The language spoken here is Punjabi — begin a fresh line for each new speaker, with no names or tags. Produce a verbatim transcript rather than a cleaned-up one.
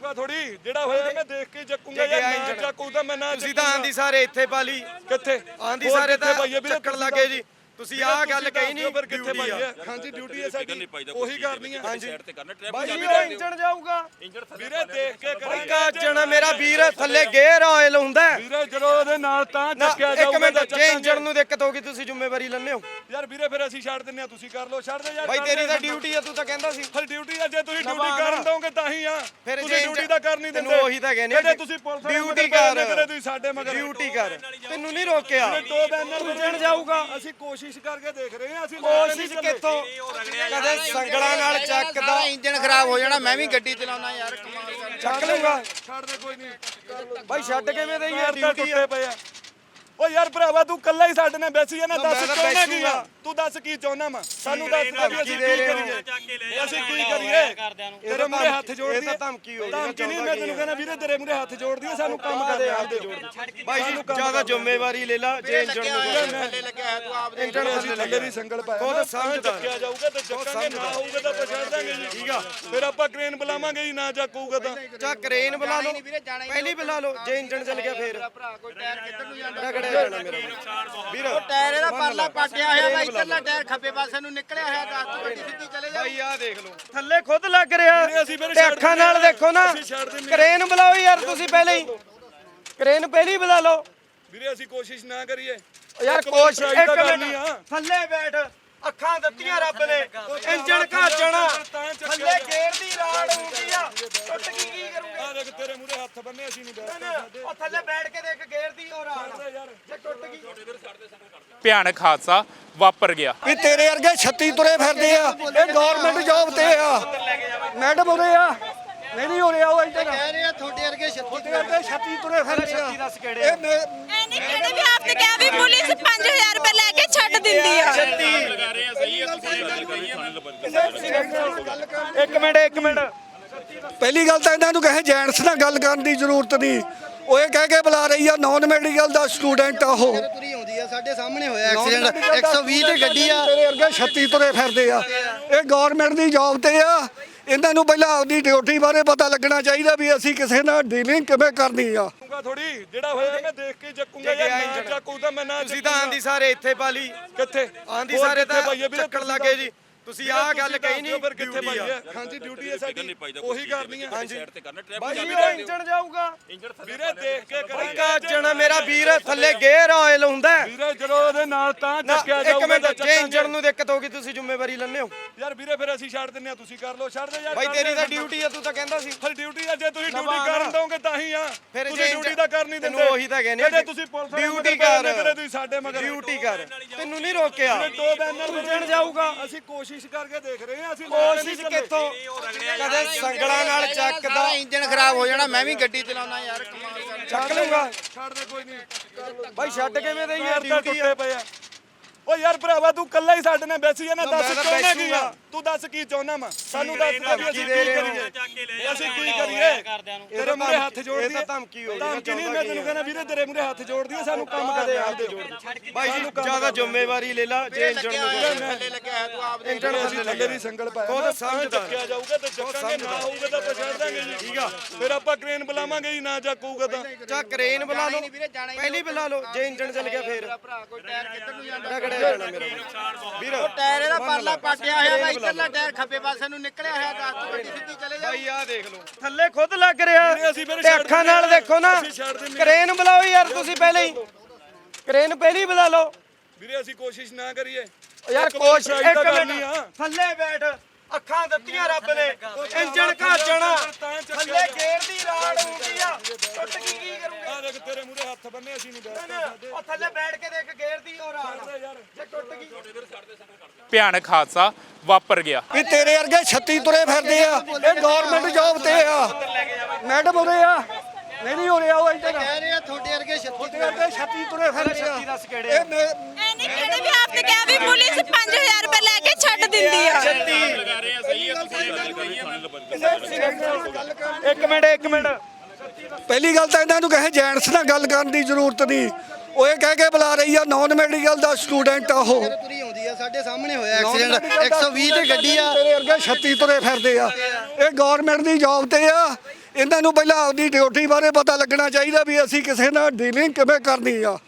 ਚੱਕੂਗਾ ਥੋੜੀ ਜਿਹੜਾ ਹੋਇਆ ਮੈਂ ਦੇਖ ਕੇ ਚੱਕੂਗਾ ਯਾਰ ਨਾ ਚੱਕੂ ਤਾਂ ਮੈਂ ਨਾ
ਤੁਸੀਂ ਤਾਂ ਆਂਦੀ ਸਾਰੇ ਇੱਥੇ ਪਾ ਲਈ
ਕਿੱਥੇ
ਆਂਦੀ ਸਾਰੇ ਤਾਂ ਚੱਕਣ ਲੱਗੇ ਜੀ ਤੁਸੀਂ ਆਹ ਗੱਲ ਕਹੀ ਨਹੀਂ
ਪਰ ਕਿੱਥੇ ਪਾਈ ਹੈ ਹਾਂਜੀ ਡਿਊਟੀ ਹੈ ਸਾਡੀ ਉਹੀ ਕਰਨੀ ਹੈ
ਹਾਂਜੀ
ਸਾਈਡ ਤੇ ਕਰਨਾ
ਬਾਈ ਉਹ ਇੰਜਣ ਜਾਊਗਾ
ਵੀਰੇ ਦੇਖ ਕੇ ਕਰਾਂਗੇ
ਕਾਜਣ ਮੇਰਾ ਵੀਰ ਥੱਲੇ ਗੇਅਰ ਆਇਲ ਹੁੰਦਾ
ਵੀਰੇ ਜਦੋਂ ਉਹਦੇ ਨਾਲ ਤਾਂ ਚੱਕਿਆ
ਇੱਕ
ਜਾਊਗਾ
ਮਿੰਟ ਜੇ ਇੰਜਣ ਨੂੰ ਦਿੱਕਤ ਹੋਗੀ ਤੁਸੀਂ ਜ਼ਿੰਮੇਵਾਰੀ ਲੈਣੇ ਹੋ
ਯਾਰ ਵੀਰੇ ਫਿਰ ਅਸੀਂ ਛੱਡ ਦਿੰਨੇ ਆ ਤੁਸੀਂ ਕਰ ਲਓ ਛੱਡ ਦੇ ਯਾਰ
ਬਾਈ ਤੇਰੀ ਤਾਂ ਡਿਊਟੀ ਆ ਤੂੰ ਤਾਂ ਕਹਿੰਦਾ ਸੀ
ਫਿਰ ਡਿਊਟੀ ਆ ਜੇ ਤੁਸੀਂ ਡਿਊਟੀ ਕਰਨ ਦੋਗੇ ਤਾਂ ਹੀ ਆ
ਫਿਰ
ਤੁਸੀਂ ਡਿਊਟੀ ਤਾਂ ਕਰ ਨਹੀਂ ਦਿੰਦੇ
ਤੈਨੂੰ ਉਹੀ ਤਾਂ ਕਹਿੰਦੇ
ਕਦੇ ਤੁਸੀਂ ਪੁਲਿਸ
ਡਿਊਟੀ ਕਰ
ਕਦੇ ਤੁਸੀਂ ਸਾਡੇ ਮਗਰ
ਡਿਊਟੀ ਕਰ ਤੈਨੂੰ ਨਹੀਂ ਰੋਕਿਆ
ਦੋ ਬੈਨਰ
ਇੰਜਣ ਜਾਊਗਾ
ਅਸੀਂ ਕੋਸ਼ਿਸ਼ ਕਰਕੇ ਦੇਖ ਰਹੇ ਹਾਂ ਅਸੀਂ
ਕੋਸ਼ਿਸ਼ ਕਿੱਥੋਂ ਕਦੇ ਸੰਗਲਾਂ ਨਾਲ ਚੱਕਦਾ
ਇੰਜਨ ਖਰਾਬ ਹੋ ਜਾਣਾ ਮੈਂ ਵੀ ਗੱਡੀ ਚਲਾਉਣਾ ਯਾਰ ਕਮਾਲ ਕਰ
ਚੱਕ ਲੂੰਗਾ
ਛੱਡ ਦੇ ਕੋਈ ਨਹੀਂ
ਬਾਈ ਛੱਡ ਕਿਵੇਂ ਦੇਈ ਯਾਰ
ਡਿਊਟੀ
ਡਿਊਟੀ
ਟੁੱਟੇ ਪਏ ਆ ਓ ਯਾਰ ਭਰਾਵਾ ਤੂੰ ਕੱਲਾ ਹੀ ਸਾਡੇ ਨਾਲ ਬੈਸੀ ਆ ਨਾ ਦੱਸ
ਮੈਂ ਤਾਂ
ਚਾਹੁੰਦਾ ਕੀ ਆ
ਬੈਸੂਗਾ।
ਤੂੰ ਦੱਸ ਕੀ ਚਾਹੁੰਦਾ ਵਾ ਸਾਨੂੰ ਦੱਸ ਦੇ ਵੀ ਅਸੀਂ ਕੀ ਕਰੀਏ ਅਸੀਂ ਕੀ ਕਰੀਏ ਤੇਰੇ ਮੂਰੇ ਹੱਥ ਜੋੜਦੀ
ਇਹ ਤਾਂ ਧਮਕੀ ਹੋਈ
ਧਮਕੀ ਨਹੀਂ ਮੈਂ ਤੈਨੂੰ ਕਹਿੰਦਾ ਵੀਰੇ ਤੇਰੇ ਮੂਰੇ ਹੱਥ ਜੋੜਦੀ ਆ ਸਾਨੂੰ ਕੰਮ ਕਰਦੇ ਆਪਦੇ
ਬਾਈ ਜੀ ਜਿਆਦਾ ਜ਼ਿੰਮੇਵਾਰੀ ਲੈ ਲਾ ਜੇ ਇੰਜਣ ਨੂੰ
ਥੱਲੇ ਲੱਗਿਆ ਹੈ ਤੂੰ ਆਪ
ਇੰਜਣ
ਅਸੀਂ ਥੱਲੇ ਦੀ ਸੰਗਲ ਪਾਇਆ
ਖੁਦ
ਨਾ,
ਸਮਝਦਾਰ।
ਚੱਕਿਆ ਜਾਊਗਾ ਤੇ ਚੱਕਾਂਗੇ ਨਾ ਹੋਊਗਾ ਤਾਂ ਆਪਾਂ ਛੱਡ ਦਾਂਗੇ ਜੀ
ਠੀਕ ਆ
ਫਿਰ ਆਪਾਂ ਕ੍ਰੇਨ ਬੁਲਾਵਾਂਗੇ ਜੀ ਨਾ ਚੱਕੂਗਾ ਤਾਂ
ਚਾ ਕ੍ਰੇਨ ਬੁਲਾ ਲਓ ਪਹਿਲੀ ਬੁਲਾ ਲਓ ਜੇ ਇੰਜਣ ਚੱਲ ਗਿਆ ਫੇਰ
ਭਰਾ ਕੋਈ ਟਾਇਰ ਕਿੱਧਰ ਨੂੰ ਜਾਂਦਾ
ਰਗੜਿਆ ਜਾਣਾ ਮੇਰਾ ਵੀਰ
ਟਾਇਰ ਇਹਦਾ ਪਰਲਾ ਪਾਟਿਆ ਹੋਇਆ ਵਾ ਇੱਧਰਲਾ ਟਾਇਰ ਖੱਬੇ ਪਾਸੇ ਨੂੰ ਨਿਕਲਿਆ ਹੋਇਆ ਦੱਸ ਤੂੰ ਗੱਡੀ ਸਿੱਧੀ ਚਲੇ ਜਾ
ਬਾਈ ਆਹ ਦੇਖ ਲਓ ਥੱਲੇ ਖੁਦ ਲੱਗ ਰਿਹਾ
ਵੀਰੇ ਅਸੀਂ ਫਿਰ
ਤੇ
ਛੱਡ
ਅੱਖਾਂ
ਦਿੰਦੇ
ਨਾਲ
ਆ।
ਦੇਖੋ ਨਾ
ਅਸੀਂ ਛੱਡ ਦਿੰਦੇ ਆ।
ਕ੍ਰੇਨ ਬੁਲਾਓ ਯਾਰ ਤੁਸੀਂ ਪਹਿਲੇ ਹੀ ਕ੍ਰੇਨ ਪਹਿਲੀ ਬੁਲਾ ਲਓ
ਵੀਰੇ ਅਸੀਂ ਕੋਸ਼ਿਸ਼ ਨਾ ਕਰੀਏ
ਯਾਰ
ਇੱਕ ਵਾਰੀ
ਕੋਸ਼
try
ਇੱਕ
ਤਾਂ ਕਰਨੀ
ਮਿੰਟ
ਆ।
ਥੱਲੇ ਬੈਠ ਅੱਖਾਂ ਦਿੱਤੀਆਂ ਰੱਬ ਨੇ ਇੰਜਣ ਘਾਚਣਾ ਥੱਲੇ ਗੇਰ ਦੀ ਰਾੜ ਹੁੰਦੀ ਆ ਟੁੱਟ ਗਈ ਕੀ ਕਰੂੰਗੇ
ਆ ਦੇਖ ਤੇਰੇ ਮੂਰੇ ਹੱਥ ਬੰਨੇ ਅਸੀਂ ਨਹੀਂ ਬੈਠ ਸਕਦੇ
ਉਹ ਥੱਲੇ ਬੈਠ ਕੇ ਦੇਖ ਗੇਰ ਦੀ ਉਹ ਰਾੜ ਜੇ ਟੁੱਟ ਗਈ
ਭਿਆਨਕ ਹਾਦਸਾ ਵਾਪਰ ਗਿਆ।
ਵੀ ਤੇਰੇ ਵਰਗੇ ਛੱਤੀ ਤੁਰੇ ਫਿਰਦੇ ਆ ਇਹ ਗਵਰਨਮੈਂਟ ਜੌਬ ਤੇ ਆ ਮੈਡਮ ਉਰੇ ਆ ਨਹੀਂ ਨਹੀਂ ਉਰੇ ਆਓ ਇੱਧਰ
ਕਹਿ ਰਹੇ ਆ ਤੁਹਾਡੇ ਵਰਗੇ
ਤੁਹਾਡੇ ਵਰਗੇ ਛੱਤੀ ਤੁਰੇ ਫਿਰਦੇ ਆ
ਦੱਸ ਕਿਹੜੇ
ਇਹ ਮੈਂ-
ਐਨੇ ਕਿਹੜੇ ਵੀ ਆਪਨੇ ਕਿਹਾ ਵੀ ਪੁਲਿਸ ਪੰਜ ਹਜ਼ਾਰ ਰੁਪਏ ਲੈ ਕੇ ਛੱਡ ਦਿੰਦੀ ਆ
ਇੱਕ ਮਿੰਟ ਇੱਕ ਮਿੰਟ
ਪਹਿਲੀ ਗੱਲ ਤਾਂ ਇਹਨਾਂ ਨੂੰ ਕਹੇ ਜੈਂਟਸ ਨਾਲ ਗੱਲ ਕਰਨ ਦੀ ਜ਼ਰੂਰਤ ਨਹੀਂ ਉਹ ਇਹ ਕਹਿ ਕੇ ਬੁਲਾ ਰਹੀ ਆ ਨਾਨ ਮੈਡੀਕਲ ਦਾ ਸਟੂਡੈਂਟ ਆ ਉਹ
ਤੁਰੀ ਆਉਂਦੀ ਆ ਸਾਡੇ ਸਾਹਮਣੇ ਹੋਇਆ ਐਕਸੀਡੈਂਟ ਇੱਕ ਸੌ ਵੀਹ ਤੇ ਗੱਡੀ ਆ
ਤੇਰੇ ਵਰਗੇ ਛੱਤੀ ਤੁਰੇ ਫਿਰਦੇ ਆ ਇਹ ਗਵਰਨਮੈਂਟ ਦੀ ਜੌਬ ਤੇ ਆ ਇਹਨਾਂ ਨੂੰ ਪਹਿਲਾਂ ਆਪਦੀ ਡਿਊਟੀ ਬਾਰੇ ਪਤਾ ਲੱਗਣਾ ਚਾਹੀਦਾ ਵੀ ਅਸੀਂ ਕਿਸੇ ਨਾਲ ਡੀਲਿੰਗ ਕਿਵੇਂ ਕਰਨੀ ਆ
ਥੋੜੀ ਜਿਹੜਾ ਹੋਇਆ ਮੈਂ ਦੇਖ ਕੇ ਚੱਕੂਗਾ ਯਾਰ ਨਾ ਚੱਕੂ ਤਾਂ ਮੈਂ ਨਾ
ਤੁਸੀਂ ਤਾਂ ਆਂਦੀ ਸਾਰੇ ਇੱਥੇ ਪਾ ਲਈ
ਕਿੱਥੇ
ਆਂਦੀ ਸਾਰੇ ਤਾਂ ਚੱਕਣ ਲੱਗੇ ਜੀ ਤੁਸੀਂ ਆਹ ਗੱਲ ਕਹੀ ਨਹੀਂ
ਪਰ ਕਿੱਥੇ ਪਾਈ ਹੈ ਹਾਂਜੀ ਡਿਊਟੀ ਹੈ ਸਾਡੀ ਉਹੀ ਕਰਨੀ ਹੈ
ਸਾਈਡ ਤੇ ਕਰਨਾ
ਬਾਈ ਉਹ ਇੰਜਣ ਜਾਊਗਾ
ਵੀਰੇ ਦੇਖ ਕੇ
ਬਾਈ
ਕਰਾਂਗੇ
ਕਾਜਣ ਮੇਰਾ ਵੀਰ ਥੱਲੇ ਗੇਅਰ ਆਇਲ ਹੁੰਦਾ
ਵੀਰੇ ਜਦੋਂ ਉਹਦੇ ਨਾਲ ਤਾਂ ਚੱਕਿਆ
ਇੱਕ
ਜਾਊਗਾ
ਮਿੰਟ
ਤਾਂ
ਜੇ ਇੰਜਣ ਨੂੰ ਦਿੱਕਤ ਹੋਗੀ ਤੁਸੀਂ ਜ਼ਿੰਮੇਵਾਰੀ ਲੈਣੇ ਹੋ
ਯਾਰ ਵੀਰੇ ਫਿਰ ਅਸੀਂ ਛੱਡ ਦਿੰਨੇ ਆ ਤੁਸੀਂ ਕਰ ਲਓ ਛੱਡ ਦੇ ਯਾਰ
ਬਾਈ ਤੇਰੀ ਤਾਂ ਡਿਊਟੀ ਆ ਤੂੰ ਤਾਂ ਕਹਿੰਦਾ ਸੀ
ਫਿਰ ਡਿਊਟੀ ਆ ਜੇ ਤੁਸੀਂ ਡਿਊਟੀ ਕਰਨ ਦੋਗੇ ਤਾਂ ਹੀ ਆ
ਫਿਰ
ਤੁਸੀਂ
ਜੇ
ਡਿਊਟੀ ਤਾਂ ਕਰ ਨਹੀਂ ਦਿੰਦੇ
ਤੈਨੂੰ ਉਹੀ ਤਾਂ ਕਹਿੰਦੇ
ਕਦੇ ਤੁਸੀਂ ਪੁਲਿਸ
ਡਿਊਟੀ ਕਰ
ਕਦੇ ਤੁਸੀਂ ਸਾਡੇ ਮਗਰ
ਡਿਊਟੀ ਕਰ ਤੈਨੂੰ ਨਹੀਂ ਰੋਕਿਆ
ਦੋ ਬੈਨਰ
ਇੰਜਣ ਜਾਊਗਾ
ਅਸੀਂ ਕੋਸ਼ਿਸ਼ ਕਰਕੇ ਦੇਖ ਰਹੇ ਹਾਂ ਅਸੀਂ
ਕੋਸ਼ਿਸ਼ ਕਿੱਥੋਂ ਕਦੇ ਸੰਗਲਾਂ ਨਾਲ ਚੱਕਦਾ
ਇੰਜਨ ਖਰਾਬ ਹੋ ਜਾਣਾ ਮੈਂ ਵੀ ਗੱਡੀ ਚਲਾਉਣਾ ਯਾਰ ਕਮਾਲ ਕਰ
ਚੱਕ ਲੂੰਗਾ
ਛੱਡ ਦੇ ਕੋਈ ਨਹੀਂ
ਬਾਈ ਛੱਡ ਕਿਵੇਂ ਦੇਈ ਯਾਰ
ਡਿਊਟੀ
ਡਿਊਟੀ
ਟੁੱਟੇ ਪਏ ਆ ਓ ਯਾਰ ਭਰਾਵਾ ਤੂੰ ਕੱਲਾ ਹੀ ਸਾਡੇ ਨਾਲ ਬੈਸੀ ਆ ਨਾ
ਮੈਂ
ਦੱਸ
ਤਾਂ
ਚਾਹੁੰਦਾ ਕੀ ਆ
ਬੈਸੂਗਾ।
ਤੂੰ ਦੱਸ ਕੀ ਚਾਹੁੰਦਾ ਵਾ ਸਾਨੂੰ ਦੱਸ ਦੇ ਵੀ ਅਸੀਂ ਕੀ ਕਰੀਏ ਅਸੀਂ ਕੀ ਕਰੀਏ ਤੇਰੇ ਮੂਰੇ ਹੱਥ ਜੋੜਦੀ
ਇਹ ਤਾਂ ਧਮਕੀ ਹੋਈ
ਧਮਕੀ ਨਹੀਂ ਮੈਂ ਤੈਨੂੰ ਕਹਿੰਦਾ ਵੀਰੇ ਤੇਰੇ ਮੂਰੇ ਹੱਥ ਜੋੜਦੀ ਆ ਸਾਨੂੰ ਕੰਮ ਕਰਦੇ ਆਪਦੇ
ਬਾਈ ਜੀ ਜਿਆਦਾ ਜ਼ਿੰਮੇਵਾਰੀ ਲੈ ਲਾ ਜੇ ਇੰਜਣ ਨੂੰ
ਥੱਲੇ ਲੱਗਿਆ ਹੈ ਤੂੰ ਆਪ
ਇੰਜਣ
ਅਸੀਂ ਥੱਲੇ ਦੀ ਸੰਗਲ ਪਾਇਆ
ਖੁਦ
ਨਾ,
ਸਮਝਦਾਰ।
ਚੱਕਿਆ ਜਾਊਗਾ ਤੇ ਚੱਕਾਂਗੇ ਨਾ ਹੋਊਗਾ ਤਾਂ ਆਪਾਂ ਛੱਡ ਦਾਂਗੇ ਜੀ
ਠੀਕ ਆ
ਫਿਰ ਆਪਾਂ ਕ੍ਰੇਨ ਬੁਲਾਵਾਂਗੇ ਜੀ ਨਾ ਚੱਕੂਗਾ ਤਾਂ
ਚਾ ਕ੍ਰੇਨ ਬੁਲਾ ਲਓ ਪਹਿਲੀ ਬੁਲਾ ਲਓ ਜੇ ਇੰਜਣ ਚੱਲ ਗਿਆ ਫੇਰ
ਭਰਾ ਕੋਈ ਟਾਇਰ ਕਿੱਧਰ ਨੂੰ ਜਾਂਦਾ
ਰਗੜਿਆ ਜਾਣਾ ਮੇਰਾ ਵੀਰ
ਟਾਇਰ ਇਹਦਾ ਪਰਲਾ ਪਾਟਿਆ ਹੋਇਆ ਵਾ ਇੱਧਰਲਾ ਟਾਇਰ ਖੱਬੇ ਪਾਸੇ ਨੂੰ ਨਿਕਲਿਆ ਹੋਇਆ ਦੱਸ ਤੂੰ ਗੱਡੀ ਸਿੱਧੀ ਚਲੇ ਜਾ
ਬਾਈ ਆਹ ਦੇਖ ਲਓ ਥੱਲੇ ਖੁਦ ਲੱਗ ਰਿਹਾ
ਅਸੀਂ ਫਿਰ
ਤੇ
ਛੱਡ
ਅੱਖਾਂ
ਦਿੰਦੇ
ਨਾਲ
ਆ।
ਦੇਖੋ ਨਾ
ਅਸੀਂ ਛੱਡ ਦਿੰਦੇ ਆ।
ਕ੍ਰੇਨ ਬੁਲਾਓ ਯਾਰ ਤੁਸੀਂ ਪਹਿਲੇ ਹੀ ਕ੍ਰੇਨ ਪਹਿਲੀ ਬੁਲਾ ਲਓ
ਵੀਰੇ ਅਸੀਂ ਕੋਸ਼ਿਸ਼ ਨਾ ਕਰੀਏ
ਯਾਰ
ਇੱਕ ਵਾਰੀ
ਕੋਸ਼
try
ਇੱਕ
ਤਾਂ ਕਰਨੀ
ਮਿੰਟ
ਆ।
ਥੱਲੇ ਬੈਠ ਅੱਖਾਂ ਦਿੱਤੀਆਂ ਰੱਬ ਨੇ ਇੰਜਣ ਘਾਚਣਾ ਥੱਲੇ ਗੇਰ ਦੀ ਰਾੜ ਹੁੰਦੀ ਆ ਟੁੱਟ ਗਈ ਕੀ ਕਰੂੰਗੇ
ਆ ਦੇਖ ਤੇਰੇ ਮੂਰੇ ਹੱਥ ਬੰਨੇ ਅਸੀਂ ਨਹੀਂ ਬੈਠ ਸਕਦੇ
ਉਹ ਥੱਲੇ ਬੈਠ ਕੇ ਦੇਖ ਗੇਰ ਦੀ ਉਹ ਰਾੜ ਜੇ ਟੁੱਟ ਗਈ
ਭਿਆਨਕ ਹਾਦਸਾ ਵਾਪਰ ਗਿਆ।
ਵੀ ਤੇਰੇ ਵਰਗੇ ਛੱਤੀ ਤੁਰੇ ਫਿਰਦੇ ਆ ਇਹ ਗਵਰਨਮੈਂਟ ਜੌਬ ਤੇ ਆ ਮੈਡਮ ਉਰੇ ਆ ਨਹੀਂ ਨਹੀਂ ਉਰੇ ਆਓ ਇੱਧਰ
ਕਹਿ ਰਹੇ ਆ ਤੁਹਾਡੇ ਵਰਗੇ
ਤੁਹਾਡੇ ਵਰਗੇ ਛੱਤੀ ਤੁਰੇ ਫਿਰਦੇ ਆ
ਦੱਸ ਕਿਹੜੇ
ਇਹ ਮੈਂ-
ਐਨੇ ਕਿਹੜੇ ਵੀ ਆਪਨੇ ਕਿਹਾ ਵੀ ਪੁਲਿਸ ਪੰਜ ਹਜ਼ਾਰ ਰੁਪਏ ਲੈ ਕੇ ਛੱਡ ਦਿੰਦੀ ਆ
ਇੱਕ ਮਿੰਟ ਇੱਕ ਮਿੰਟ
ਪਹਿਲੀ ਗੱਲ ਤਾਂ ਇਹਨਾਂ ਨੂੰ ਕਹੇ ਜੈਂਟਸ ਨਾਲ ਗੱਲ ਕਰਨ ਦੀ ਜ਼ਰੂਰਤ ਨਹੀਂ ਉਹ ਇਹ ਕਹਿ ਕੇ ਬੁਲਾ ਰਹੀ ਆ ਨਾਨ ਮੈਡੀਕਲ ਦਾ ਸਟੂਡੈਂਟ ਆ ਉਹ
ਤੁਰੀ ਆਉਂਦੀ ਆ ਆ ਸਾਡੇ ਸਾਹਮਣੇ ਹੋਇਆ ਐਕਸੀਡੈਂਟ ਇੱਕ ਸੌ ਵੀਹ ਤੇ ਗੱਡੀ ਆ
ਤੇਰੇ ਵਰਗੇ ਛੱਤੀ ਤੁਰੇ ਫਿਰਦੇ ਆ ਇਹ ਗਵਰਨਮੈਂਟ ਦੀ ਜੌਬ ਤੇ ਆ ਇਹਨਾਂ ਨੂੰ ਪਹਿਲਾਂ ਆਪਦੀ ਡਿਊਟੀ ਬਾਰੇ ਪਤਾ ਲੱਗਣਾ ਚਾਹੀਦਾ ਵੀ ਅਸੀਂ ਕਿਸੇ ਨਾਲ ਡੀਲਿੰਗ ਕਿਵੇਂ ਕਰਨੀ ਆ।